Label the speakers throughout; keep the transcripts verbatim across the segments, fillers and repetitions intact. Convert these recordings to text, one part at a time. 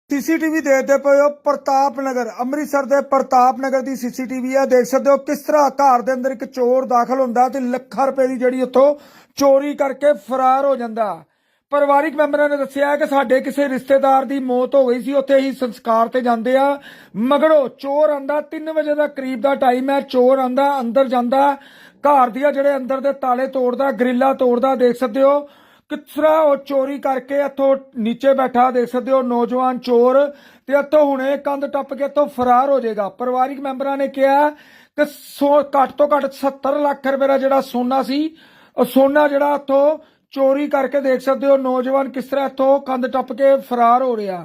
Speaker 1: CCTV देखते पे हो प्रताप नगर अमृतसर के प्रताप नगर की सीसीटीवी है। देख सकते हो किस तरह घर के अंदर एक चोर दाखिल होंदा ते ਲੱਖਾਂ रुपए की जिहड़ी उत्थों चोरी करके फरार हो जाता। ਪਰਿਵਾਰਿਕ ਮੈਂਬਰਾਂ ਨੇ ਦੱਸਿਆ ਕਿ ਸਾਡੇ ਕਿਸੇ ਰਿਸ਼ਤੇਦਾਰ ਦੀ ਮੌਤ ਹੋ ਗਈ ਸੀ, ਉੱਥੇ ਹੀ ਸੰਸਕਾਰ ਤੇ ਜਾਂਦੇ ਆ। ਮਗਰੋਂ ਚੋਰ ਆਂਦਾ ਤਿੰਨ ਵਜੇ ਦਾ ਕਰੀਬ ਦਾ ਟਾਈਮ ਹੈ। ਚੋਰ ਆਂਦਾ ਅੰਦਰ ਜਾਂਦਾ, ਘਰ ਦੀਆਂ ਜਿਹੜੇ ਅੰਦਰ ਦੇ ਤਾਲੇ ਤੋੜਦਾ, ਗ੍ਰਿਲਾਂ ਤੋੜਦਾ। ਦੇਖ ਸਕਦੇ ਹੋ किस तरह वो चोरी करके इतों नीचे बैठा। देख सकते हो नौजवान चोर ते इतों हुणे कंध टप के इतों फरार हो जाएगा। परिवारिक मैंबरां ने कहा कि सौ घट तो घट सत्तर लाख रुपए का जिहड़ा सोना सी, सोना जिहड़ा इतों चोरी करके देख सकते हो नौजवान किस तरह इतों कंध टप के फरार हो रहा।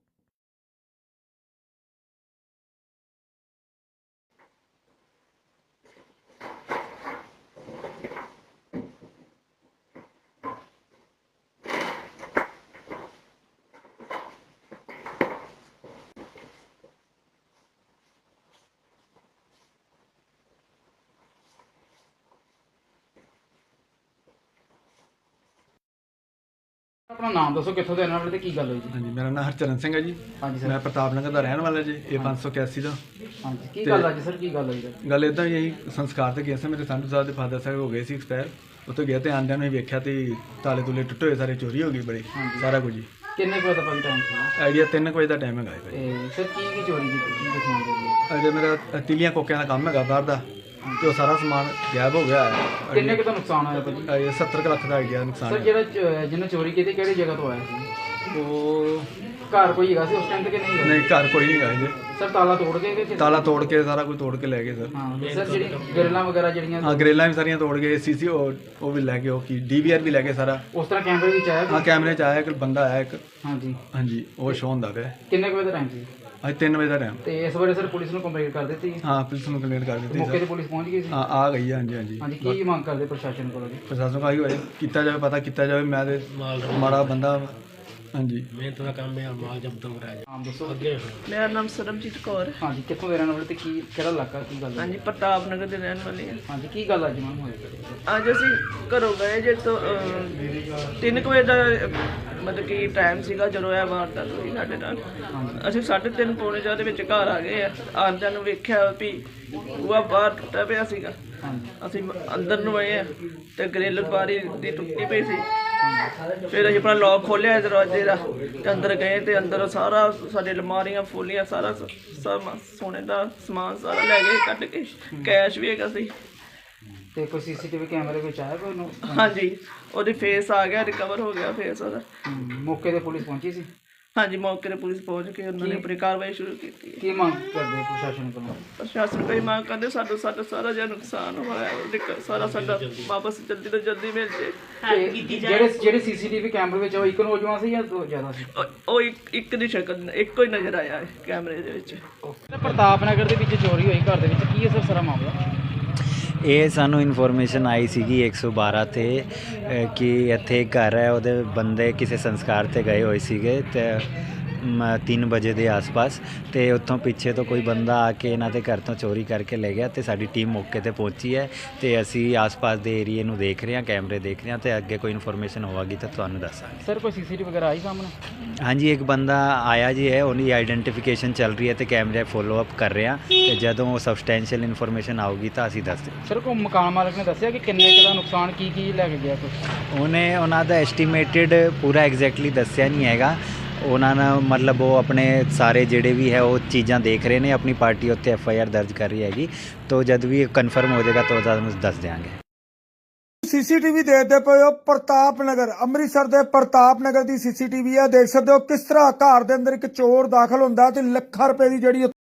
Speaker 2: अपना नाम दसो कितों रहने वाले की गल हुई जी?
Speaker 3: हाँ जी, मेरा नाम हरचरण सिंह है जी।
Speaker 2: हाँ जी सर।
Speaker 3: मैं प्रताप नगर का रहने वाला जी। ये पाँच सौ इक्यासी का
Speaker 2: हाँ जी की गल है सर, की गल हुई है?
Speaker 3: गल इदा यही संस्कार से गया था। मेरे संधू साहब के फादर साहब हो गए सी एक्सपायर। उत्थे गया तो आंदिया ने वेख्या तो ताले तुले टुटे हुए, सारी चोरी हो गई बड़ी, सारा कुछ जी।
Speaker 2: किन्ने बजे का टाइम था?
Speaker 3: आइडिया तीन बजे का टाइम है भाई।
Speaker 2: सर की की चोरी की की दिखाउंदे जी?
Speaker 3: अजे मेरा तिलियां कोकियां का काम है बाहर का, तो सारा समान गायब हो गया है।
Speaker 2: किन्ने का नुकसान होया भाई?
Speaker 3: ये सत्तर लाख का आइडिया नुकसान
Speaker 2: सर
Speaker 3: है।
Speaker 2: जेड़ा जिन्हें चोरी की थी किहड़ी जगह तो आया सी?
Speaker 3: वो
Speaker 2: घर कोई हैगा सी उस टाइम ते कि नहीं?
Speaker 3: नहीं, घर कोई नहीं गए जी।
Speaker 2: सर ताला तोड़ के कि
Speaker 3: ताला तोड़ के सारा कुछ तोड़ के ले गए सर।
Speaker 2: हाँ सर जेड़ी ग्रिलां वगैरह जेड़ियां
Speaker 3: हाँ, ग्रिलां भी सारियां तोड़ गए, सी सी वो भी ले गए, की डी वी आर भी ले गए सारा।
Speaker 2: उस तरह कैमरे विच आया?
Speaker 3: हाँ, कैमरे च आया एक बंदा आया एक।
Speaker 2: हाँ जी
Speaker 3: हाँ जी, वो शो होंदा पिया।
Speaker 2: किन्ने बजे का टाइम सी?
Speaker 3: ਅੱਜ ਤਿੰਨ ਵਜੇ ਦਾ ਟਾਈਮ।
Speaker 2: ਤੇ ਇਸ ਬਾਰੇ ਸਰ ਪੁਲਿਸ ਨੂੰ ਕੰਪਲੇਂਟ ਕਰ ਦਿੱਤੀ?
Speaker 3: ਹਾਂ, ਪੁਲਿਸ ਨੂੰ ਕੰਪਲੇਂਟ ਕਰ ਦਿੱਤੀ
Speaker 2: ਮੌਕੇ ਤੇ
Speaker 3: ਸਰ।
Speaker 2: ਪੁਲਿਸ ਪਹੁੰਚ ਗਈ ਸੀ?
Speaker 3: ਹਾਂ, ਆ ਗਈ ਹੈ। ਹਾਂਜੀ ਹਾਂਜੀ
Speaker 2: ਹਾਂਜੀ ਕੀ ਮੰਗ ਕਰਦੇ ਪ੍ਰਸ਼ਾਸਨ ਕੋਲੋਂ ਜੀ?
Speaker 3: ਪ੍ਰਸ਼ਾਸਨ ਕਹੀ ਹੋਏ ਕੀਤਾ ਜਾਵੇ, ਪਤਾ ਕੀਤਾ ਜਾਵੇ। ਮੈਂ ਤੇ ਮਾੜਾ ਬੰਦਾ। ਹਾਂਜੀ,
Speaker 4: ਮਿਹਨਤ ਦਾ ਕੰਮ ਹੈ, ਮਾਲ ਜਬਤ ਹੋ ਰਿਹਾ
Speaker 2: ਨਾਮ ਦੱਸੋ।
Speaker 4: ਅੱਗੇ
Speaker 5: ਮੇਰਾ ਨਾਮ ਸਰਬਜੀਤ ਕੌਰ ਹੈ।
Speaker 2: ਹਾਂਜੀ ਕਿੱਥੋਂ ਦੇ ਰਹਿਣ ਵਾਲੇ ਤੇ ਕੀ ਕਿਹੜਾ ਇਲਾਕਾ ਕੀ ਗੱਲ ਹੈ?
Speaker 5: ਹਾਂਜੀ ਪ੍ਰਤਾਪ ਨਗਰ ਦੇ ਰਹਿਣ ਵਾਲੇ ਹਾਂ।
Speaker 2: ਹਾਂਜੀ ਕੀ ਗੱਲ ਅੱਜ ਮੈਮ ਹੋਈ?
Speaker 5: ਅੱਜ ਅਸੀਂ ਘਰੋਂ ਗਏ ਜੇ ਤੋਂ ਅਹ, ਤਿੰਨ ਕੁ ਵਜੇ ਦਾ ਅਹ, ਮਤਲਬ ਕਿ ਟਾਈਮ ਸੀਗਾ ਜਦੋਂ ਇਹ ਵਾਰਦਾਤ ਹੋਈ ਸਾਡੇ ਨਾਲ। ਅਸੀਂ ਸਾਢੇ ਤਿੰਨ ਪੌਣੇ ਚਾਰ ਦੇ ਵਿੱਚ ਘਰ ਆ ਗਏ ਆ। ਆਉਂਦਿਆਂ ਨੂੰ ਵੇਖਿਆ ਵੀ ਬੂਹਾ ਬਾਹਰ ਟੁੱਟਾ ਪਿਆ ਸੀਗਾ। ਅਸੀਂ ਅੰਦਰ ਨੂੰ ਆਏ ਆ ਤੇ ਗ੍ਰਿਲ ਬਾਰੀ ਦੀ ਟੁੱਟੀ ਪਈ ਸੀ। ਫਿਰ ਅਸੀਂ ਆਪਣਾ ਲੌਕ ਖੋਲ੍ਹਿਆ ਦਰਵਾਜ਼ੇ ਦਾ ਤੇ ਅੰਦਰ ਗਏ ਤੇ ਅੰਦਰ ਸਾਰਾ ਸਾਡੇ ਅਲਮਾਰੀਆਂ ਫੋਲੀਆਂ ਸਾਰਾ ਸਭ ਸੋਨੇ ਦਾ ਸਮਾਨ ਸਾਰਾ ਲੈ ਗਏ ਕੱਢ ਕੇ। ਕੈਸ਼ ਵੀ ਹੈਗਾ ਸੀ।
Speaker 2: ਤੇ ਕੋਈ ਸੀਸੀਟੀਵੀ ਕੈਮਰੇ ਵਿੱਚ ਆਇਆ ਕੋਈ ਨੂੰ?
Speaker 5: ਹਾਂਜੀ ਉਹਦੀ ਫੇਸ ਆ ਗਿਆ, ਰਿਕਵਰ ਹੋ ਗਿਆ ਫੇਸ ਉਹਦਾ।
Speaker 2: ਮੌਕੇ ਤੇ ਪੁਲਿਸ ਪਹੁੰਚੀ ਸੀ?
Speaker 5: ਹਾਂਜੀ ਮੌਕੇ ਤੇ ਪੁਲਿਸ ਪਹੁੰਚ ਕੇ ਉਹਨਾਂ ਨੇ ਆਪਣੀ ਕਾਰਵਾਈ ਸ਼ੁਰੂ ਕੀਤੀ।
Speaker 2: ਕੀ ਮੰਗ ਕਰਦੇ ਪ੍ਰਸ਼ਾਸਨ ਕੋਲੋਂ?
Speaker 5: ਪ੍ਰਸ਼ਾਸਨ ਕੋਈ ਮੰਗ ਕਰਦੇ ਸਾਡਾ ਸਾਡਾ ਸਾਰਾ ਜਿਹੜਾ ਨੁਕਸਾਨ ਹੋਇਆ ਉਹਦੇ ਕ- ਸਾਰਾ ਸਾਡਾ ਵਾਪਸ ਜਲਦੀ ਤੋਂ ਜਲਦੀ ਮਿਲ ਜੇ।
Speaker 2: ਤੇ ਜਿਹੜੇ ਜਿਹੜੇ ਸੀਸੀਟੀਵੀ ਕੈਮਰੇ ਵਿੱਚ ਆ, ਉਹ ਇੱਕ ਨੌਜਵਾਨ ਸੀ ਜਾਂ ਦੋ ਜ਼ਿਆਦਾ ਸੀ?
Speaker 5: ਉਹ ਉਹ ਇੱਕ ਇੱਕ ਦੀ ਸ਼ਕਲ ਇੱਕੋ ਹੀ ਨਜ਼ਰ ਆਇਆ ਹੈ ਕੈਮਰੇ ਦੇ ਵਿੱਚ।
Speaker 2: ਪ੍ਰਤਾਪ ਨਗਰ ਦੇ ਵਿੱਚ ਚੋਰੀ ਹੋਈ ਘਰ ਦੇ ਵਿੱਚ, ਕੀ ਹੈ ਸਰ ਸਾਰਾ ਮਾਮਲਾ?
Speaker 6: ਇਹ ਸਾਨੂੰ ਇਨਫੋਰਮੇਸ਼ਨ ਆਈ ਸੀਗੀ ਇੱਕ ਸੌ ਬਾਰਾਂ 'ਤੇ ਅ, ਕਿ ਇੱਥੇ ਇੱਕ ਘਰ ਹੈ, ਉਹਦੇ ਬੰਦੇ ਕਿਸੇ ਸੰਸਕਾਰ 'ਤੇ ਗਏ ਹੋਏ ਸੀਗੇ ਤੇ ਤਿੰਨ ਵਜੇ ਦੇ ਆਸ-ਪਾਸ, ਤੇ ਉੱਥੋਂ ਪਿੱਛੇ ਤੋਂ ਕੋਈ ਬੰਦਾ ਆ ਕੇ ਇਹਨਾਂ ਦੇ ਘਰ ਤੋਂ ਚੋਰੀ ਕਰਕੇ ਲੈ ਗਿਆ। ਤੇ ਸਾਡੀ ਟੀਮ ਮੌਕੇ 'ਤੇ ਪਹੁੰਚੀ ਹੈ ਤੇ ਅਸੀਂ ਆਸ-ਪਾਸ ਦੇ ਏਰੀਏ ਨੂੰ ਦੇਖ ਰਹੇ ਹਾਂ, ਕੈਮਰੇ ਦੇਖ ਰਹੇ ਹਾਂ ਤੇ ਅੱਗੇ ਕੋਈ ਇਨਫੋਰਮੇਸ਼ਨ ਹੋਵੇਗੀ ਤਾਂ ਤੁਹਾਨੂੰ ਦੱਸਾਂਗੇ।
Speaker 2: ਸਰ ਕੋਈ ਸੀਸੀਟੀਵੀ ਵਗੈਰਾ ਆਈ ਸਾਹਮਣੇ?
Speaker 6: ਹਾਂਜੀ, ਇੱਕ ਬੰਦਾ ਆਇਆ ਜੀ ਹੈ, ਉਹਦੀ ਆਈਡੈਂਟੀਫਿਕੇਸ਼ਨ ਚੱਲ ਰਹੀ ਹੈ ਤੇ ਕੈਮਰੇ ਫੋਲੋ ਅਪ ਕਰ ਰਹੇ ਹਾਂ ਤੇ ਜਦੋਂ ਉਹ ਸਬਸਟੈਂਸ਼ੀਅਲ ਇਨਫੋਰਮੇਸ਼ਨ ਆਊਗੀ ਤਾਂ ਅਸੀਂ ਦੱਸ ਦਿਆਂਗੇ।
Speaker 2: ਸਰ ਕੋਈ ਮਕਾਨ ਮਾਲਕ ਨੇ ਦੱਸਿਆ ਕਿ ਕਿੰਨੇ ਕੁ ਦਾ ਨੁਕਸਾਨ ਕੀ ਕੀ ਲੈ ਕੇ ਗਿਆ ਕੁਛ?
Speaker 6: ਉਹਨੇ ਉਹਨਾਂ ਦਾ ਐਸਟੀਮੇਟਿਡ ਪੂਰਾ ਐਗਜ਼ੈਕਟਲੀ ਦੱਸਿਆ ਨਹੀਂ ਹੈਗਾ। ਉਹਨਾਂ ਨੇ ਮਤਲਬ ਉਹ ਆਪਣੇ ਸਾਰੇ ਜਿਹੜੇ ਵੀ ਹੈ ਉਹ ਚੀਜ਼ਾਂ ਦੇਖ ਰਹੇ ਨੇ, ਆਪਣੀ ਪਾਰਟੀ ਉੱਤੇ ਐਫ ਆਈ ਆਰ ਦਰਜ ਕਰ ਰਹੀ ਹੈਗੀ। तो जब भी कन्फर्म हो जाएगा तो दस देंगे।
Speaker 1: सीसीटीवी देखते पे हो प्रताप नगर अमृतसर के प्रताप नगर की सीसीटीवी है। देख सकते हो किस तरह घर के अंदर एक चोर दाखिल होंदा ते ਲੱਖਾਂ रुपए की जिहड़ी